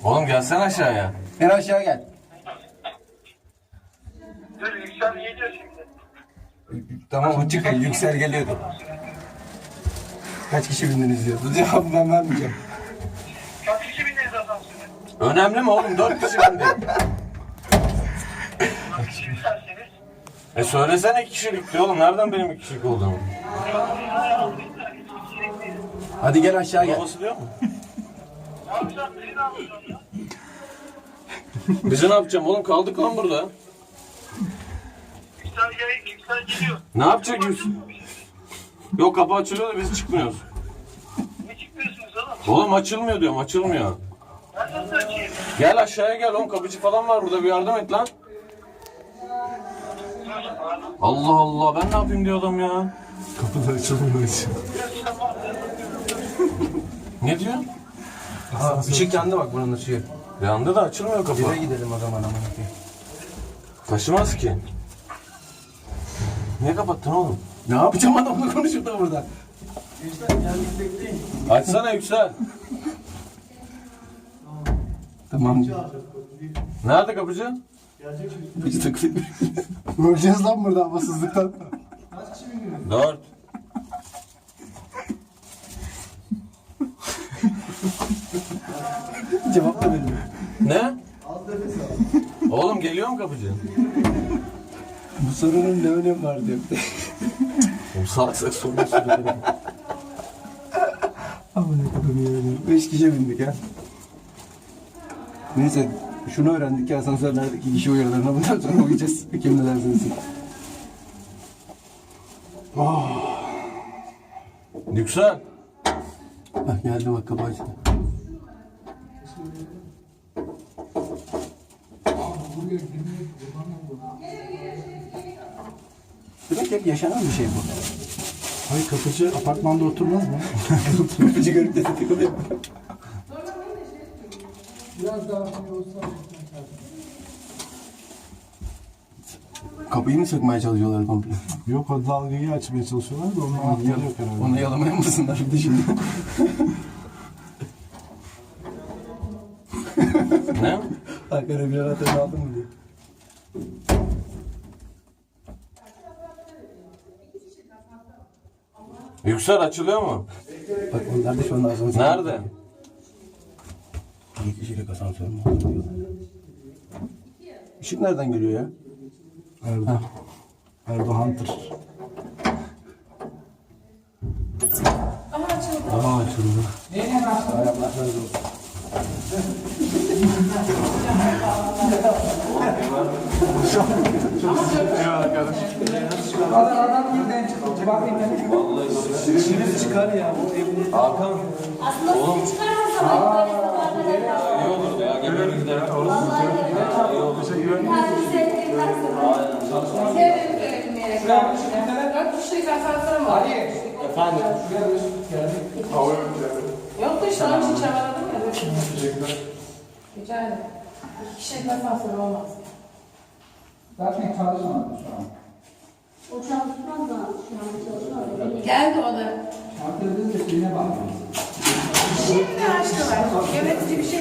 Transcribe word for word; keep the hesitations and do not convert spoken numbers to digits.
Oğlum gelsene aşağıya. En aşağı gel. Dur Yüksel geliyor şimdi. Tamam o çıkın. Yüksel geliyordu. Kaç kişi bindiniz diyor. Bu cevabı ben vermeyeceğim. Kaç kişi bindiniz asansöre? Önemli mi oğlum? Dört kişi bindi. Kaç kişi isterseniz? E söylesene iki kişilik diyor oğlum. Nereden benim iki kişilik olduğumu? Hadi gel aşağı gel. Babası diyor mu? Ne yapacağım? Beni ne yapacağım ya? Bizi ne yapacağım oğlum? Kaldık lan burada. Yüksel gel, Yüksel geliyor. Ne yapacak Yüksel? Yok kapı açılıyor da biz çıkmıyoruz. Ne çıkmıyorsunuz oğlum? Oğlum açılmıyor diyorum, açılmıyor. Ben nasıl açayım? Gel aşağıya gel oğlum, kapıcı falan var burada, bir yardım et lan. Allah Allah, ben ne yapayım diyor adam ya. Kapılar açılmıyor. Ne diyor? Aha ışık yandı bak buranın ışığı. Yandı da açılmıyor kapı. Eve gidelim o zaman aman ki. Taşımaz ki. Niye kapattın oğlum? Ne yapacağım adamla konuşup da burada. Açsana Yüksel. Tamam. Nerede kapıcı? Biz takılıp öleceğiz lan burada havasızlıktan. Dört. Cevap da vermiyor. Ne? Oğlum geliyor mu kapıcı? Bu sorunun ne önemi var diyor. Oğlum salak salak soruyor soruyor. Ama ne kadar yani. Beş kişiye bindik ha. Neyse şunu öğrendik ki asansörlerdeki kişi uyarılarına bundan sonra uyuyacağız. Kim ne dersiniz? Yüksel. Bak geldi bak kapı açtı. Demek hep yaşanan bir şey bu. Hayır kapıcı apartmanda oturmaz mı? Kapıcı görüp de tıkılıyor. Biraz daha iyi olsa. Kapıyı mı sökmeye çalışıyorlar komple? Yok o dalgayı açmaya çalışıyorlar da onun anahtarı yok herhalde. Onu yalamaya mısınlar bir de şimdi? Ne? Hakan'a bir anahtarını aldın mı diye. Yüksel açılıyor mu? Bak onlar da şu anda asansör. Nerede? İki kişilik asansör mü diyorlar. Işık nereden geliyor ya? Erdo. Erdo Hunter. Aha açıldı. Ayaklar şöyle olsun. Çıkar ya. Hakan. Aslında oğlum. Çıkarmasa İyi olurdu ya. Gemiye gidelim. İyi olur. Efendim. Yok da işte onun için çabaladım ya. Rica ederim. İki kişilik asansör olmaz. Zaten çalışmadı şu an. O çalışmaz da şu an çalışmıyor. Geldi o da. Antalya'da da şeyine bakmıyor. Şimdi açtılar. Yönetici bir şey